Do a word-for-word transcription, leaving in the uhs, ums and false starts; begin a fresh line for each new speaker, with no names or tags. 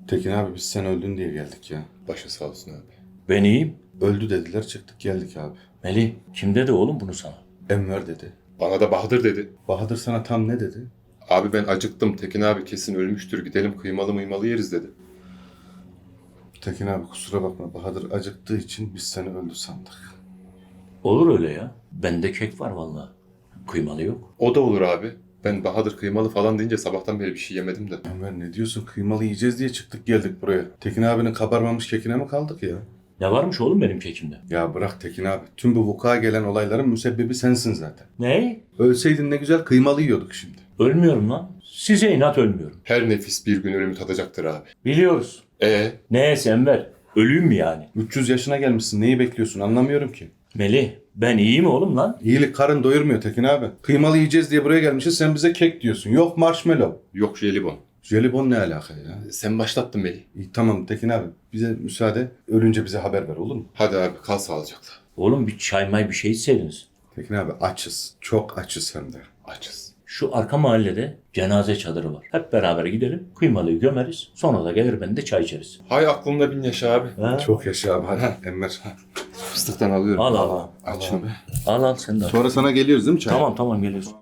Tekin abi biz sen öldün diye geldik ya.
Başın sağ olsun abi.
Ben iyiyim.
Öldü dediler çıktık geldik abi.
Melih kim dedi oğlum bunu sana?
Enver dedi.
Bana da Bahadır dedi.
Bahadır sana tam ne dedi?
Abi ben acıktım. Tekin abi kesin ölmüştür. Gidelim kıymalı mıymalı yeriz dedi.
Tekin abi kusura bakma Bahadır acıktığı için biz seni öldü sandık.
Olur öyle ya. Bende kek var vallahi. Kıymalı yok.
O da olur abi. Ben Bahadır kıymalı falan deyince sabahtan beri bir şey yemedim de.
Enver ne diyorsun kıymalı yiyeceğiz diye çıktık geldik buraya. Tekin abinin kabarmamış kekine mi kaldık ya?
Ne varmış oğlum benim kekimde?
Ya bırak Tekin abi. Tüm bu vuku'a gelen olayların müsebbibi sensin zaten.
Ne?
Ölseydin ne güzel kıymalı yiyorduk şimdi.
Ölmüyorum lan. Size inat ölmüyorum.
Her nefis bir gün ölümü tadacaktır abi.
Biliyoruz.
E
Neyse Enver. Ölüyüm mü yani?
üç yüz yaşına gelmişsin neyi bekliyorsun anlamıyorum ki.
Melih ben iyiyim oğlum lan.
İyilik karın doyurmuyor Tekin abi. Kıymalı yiyeceğiz diye buraya gelmişiz sen bize kek diyorsun. Yok marshmallow.
yok jelibon.
Jelibon ne alaka ya?
Sen başlattın Melih.
İyi, tamam Tekin abi bize müsaade. Ölünce bize haber ver olur mu?
Hadi abi kal sağlıcakla.
Oğlum bir çay may bir şey içseydiniz.
Tekin abi açız. Çok açız hem de.
Açız.
Şu arka mahallede cenaze çadırı var. Hep beraber gidelim. Kıymalıyı gömeriz. Sonra da gelir ben de çay içeriz.
Hay aklımda bin yaşa abi.
Ha?
Çok yaşa abi hadi Enver.
Fıstıktan alıyorum.
Al al.
Aç abi.
Al al sen de al.
Sonra sana geliyoruz değil mi çay?
Tamam tamam geliyorsun.